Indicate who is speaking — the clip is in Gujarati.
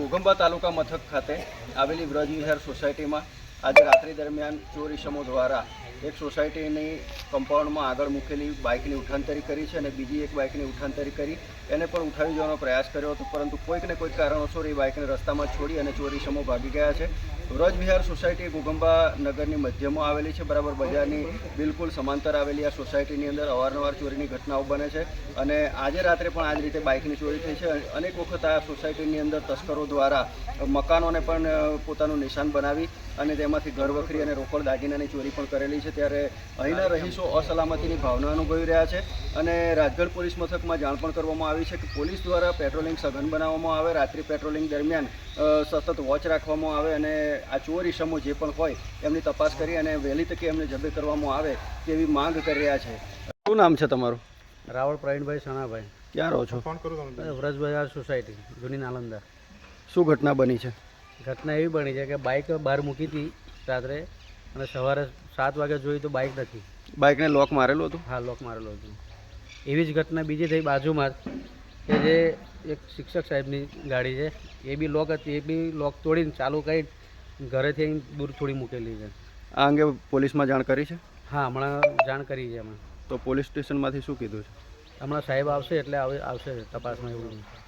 Speaker 1: ઘોઘંબા તાલુકા મથક ખાતે આવેલી વ્રજ વિહાર સોસાયટીમાં આજે રાત્રિ દરમિયાન ચોર ઇસમો દ્વારા એક સોસાયટીની કમ્પાઉન્ડમાં આગળ મૂકેલી બાઇકની ઉઠાંતરી કરી છે અને બીજી એક બાઇકની ઉઠાંતરી કરી એને પણ ઉઠાવી જવાનો પ્રયાસ કર્યો હતો, પરંતુ કોઈક ને કોઈક કારણોસર એ બાઇકને રસ્તામાં છોડી અને ચોર ઇસમો ભાગી ગયા છે. વ્રજ વિહાર સોસાયટી ઘોઘંબા નગરની મધ્યમાં આવેલી છે, બરાબર બજારની બિલકુલ સમાંતર આવેલી આ સોસાયટીની અંદર અવારનવાર ચોરીની ઘટનાઓ બને છે અને આજે રાત્રે પણ આ જ રીતે બાઇકની ચોરી થઈ છે. અનેક વખત આ સોસાયટીની અંદર તસ્કરો દ્વારા મકાનોને પણ પોતાનું નિશાન બનાવી અને તેમાંથી ઘરવખરી અને રોકડ દાગીનાની ચોરી પણ કરેલી છે. ત્યારે અહીંના રહીશો અસલામતીની ભાવના અનુભવી રહ્યા છે અને રાજગઢ પોલીસ મથકમાં જાણ પણ કરવામાં આવી છે કે પોલીસ દ્વારા પેટ્રોલિંગ સઘન બનાવવામાં આવે, રાત્રિ પેટ્રોલિંગ દરમિયાન સતત વોચ રાખવામાં આવે અને આ ચોર ઇસમો જે પણ હોય એમની તપાસ કરી અને વહેલી તકે એમને જબ્બે કરવામાં આવે તેવી માંગ કરી રહ્યા છે. શું નામ છે તમારું?
Speaker 2: રાવળ પ્રવીણભાઈ સણાભાઈ.
Speaker 1: ક્યાં રહો છો?
Speaker 2: વ્રજ બજાર સોસાયટી જૂની નાલંદા.
Speaker 1: શું ઘટના બની છે?
Speaker 2: ઘટના એવી બની છે કે બાઇક બહાર મૂકી હતી રાત્રે અને સવારે 7 વાગે જોઈ તો બાઇક નથી.
Speaker 1: બાઇકને લોક મારેલું હતું?
Speaker 2: હા, લોક મારેલું હતું. એવી જ ઘટના બીજી થઈ બાજુમાં જ કે જે એક શિક્ષક સાહેબની ગાડી છે એ બી લોક હતી, એ બી લોક તોડીને ચાલુ કરી ઘરેથી દૂર થોડી મૂકેલી છે.
Speaker 1: આ અંગે પોલીસમાં જાણ કરી છે?
Speaker 2: હા, હમણાં જાણ કરી છે. અમે
Speaker 1: તો પોલીસ સ્ટેશનમાંથી શું કીધું છે?
Speaker 2: હમણાં સાહેબ આવશે એટલે આવશે તપાસમાં એવું.